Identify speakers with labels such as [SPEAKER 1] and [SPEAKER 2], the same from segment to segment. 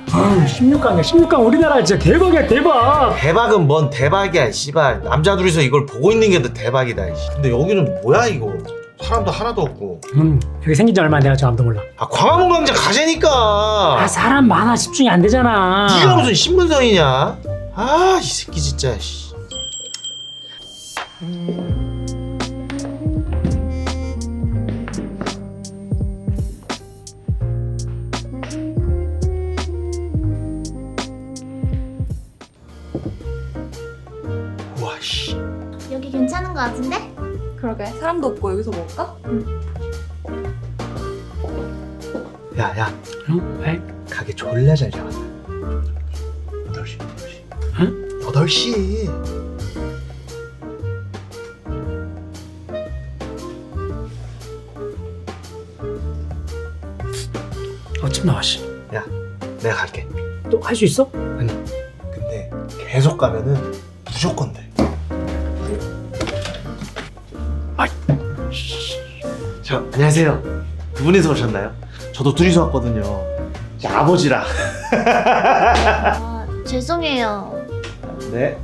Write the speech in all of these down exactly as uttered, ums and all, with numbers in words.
[SPEAKER 1] 아, 십육 강이야. 십육 강 우리나라 진짜 대박이야, 대박.
[SPEAKER 2] 대박은 뭔 대박이야 씨발. 남자 둘이서 이걸 보고 있는 게 더 대박이다. 씨. 근데 여기는 뭐야 이거. 사람도 하나도 없고.
[SPEAKER 1] 음, 여기 생긴 지 얼마 안 돼가지고 아무도 몰라.
[SPEAKER 2] 아 광화문 광장 가자니까.
[SPEAKER 1] 아, 사람 많아. 집중이 안 되잖아.
[SPEAKER 2] 네가 무슨 신분성이냐? 아 이 새끼 진짜. 씨. 우와 씨.
[SPEAKER 3] 여기 괜찮은 거 같은데?
[SPEAKER 4] 그러게 사람도 없고 여기서 먹을까?
[SPEAKER 2] 야야
[SPEAKER 1] 응? 왜?
[SPEAKER 2] 가게 졸라 잘 잡았다. 여덟 시 여덟 시.
[SPEAKER 1] 응?
[SPEAKER 2] 여덟 시.
[SPEAKER 1] 어쩜 나와, 씨.
[SPEAKER 2] 야 내가 갈게.
[SPEAKER 1] 또 할 수 있어?
[SPEAKER 2] 아니 근데 계속 가면은 무조건 돼.
[SPEAKER 1] 아이.
[SPEAKER 2] 저 안녕하세요. 두 분이서 오셨나요? 저도 둘이서 왔거든요. 제 아버지랑.
[SPEAKER 3] 아, 죄송해요.
[SPEAKER 2] 네.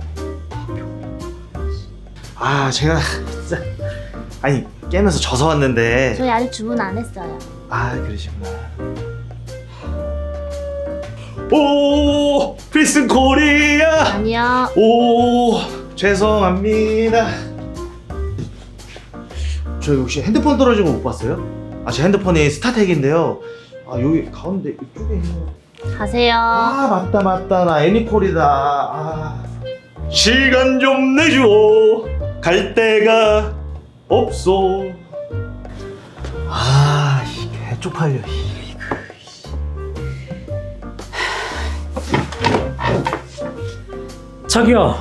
[SPEAKER 2] 아 제가 진짜 아니 깨면서 져서 왔는데.
[SPEAKER 3] 저희 아직 주문 안 했어요.
[SPEAKER 2] 아 그러시구나. 오 필승 코리아.
[SPEAKER 3] 아니요.
[SPEAKER 2] 오 죄송합니다. 저 혹시 핸드폰 떨어진 거 못 봤어요? 아 제 핸드폰이 스타텍인데요. 아 여기 가운데 이쪽에 있는.
[SPEAKER 3] 가세요.
[SPEAKER 2] 아 맞다 맞다 나 애니콜이다. 아. 시간 좀 내줘. 갈 데가 없어. 아 이게 쪽팔려.
[SPEAKER 1] 저기요.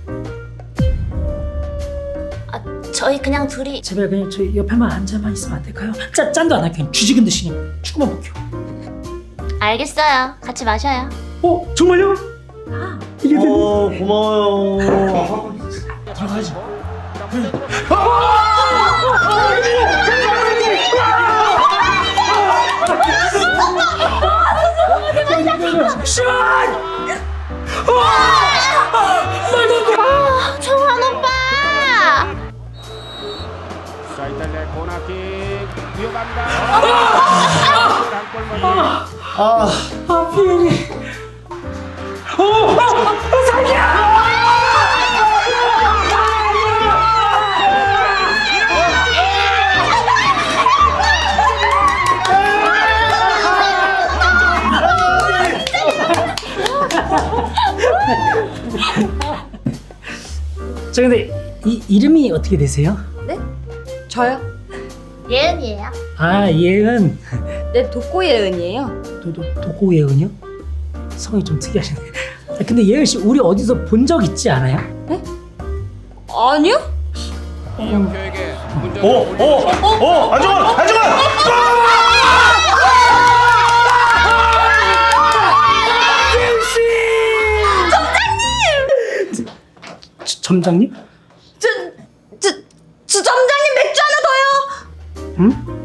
[SPEAKER 3] 아, 저희 그냥 둘이.
[SPEAKER 1] 제발 그냥 저 옆에만 앉아만 있으면 안 될까요? 짠, 짠도 안 할게요. 뒤지근 듯이 그냥 축구만 볼게요.
[SPEAKER 3] 알겠어요. 같이 마셔요.
[SPEAKER 1] 어? 정말요? 이게 되네.
[SPEAKER 2] 어 고마워요.
[SPEAKER 1] 들어가야지. 시원!
[SPEAKER 3] 아, 정한 오빠!
[SPEAKER 5] 자 이탈리아의 코너킥 뛰어간다. 한골 먼저.
[SPEAKER 2] 아
[SPEAKER 1] 아, 피해니. 오! 아, 자기야! 저 근데 이 이름이 어떻게 되세요?
[SPEAKER 4] 네? 저요?
[SPEAKER 3] 예은이에요.
[SPEAKER 1] 아, 예은.
[SPEAKER 4] 네 독고예은이에요.
[SPEAKER 1] 도도 도고 예은이요? 성이 좀 특이하시네. 아, 근데 예은 씨 우리 어디서 본 적 있지 않아요?
[SPEAKER 4] 아니요?
[SPEAKER 5] 이영표에게 문제를
[SPEAKER 2] 오, 오, 오, 안정환, 안정환!
[SPEAKER 1] 저- 점장님?
[SPEAKER 4] 저, 저, 저 점장님 맥주 하나 더요.
[SPEAKER 1] 응?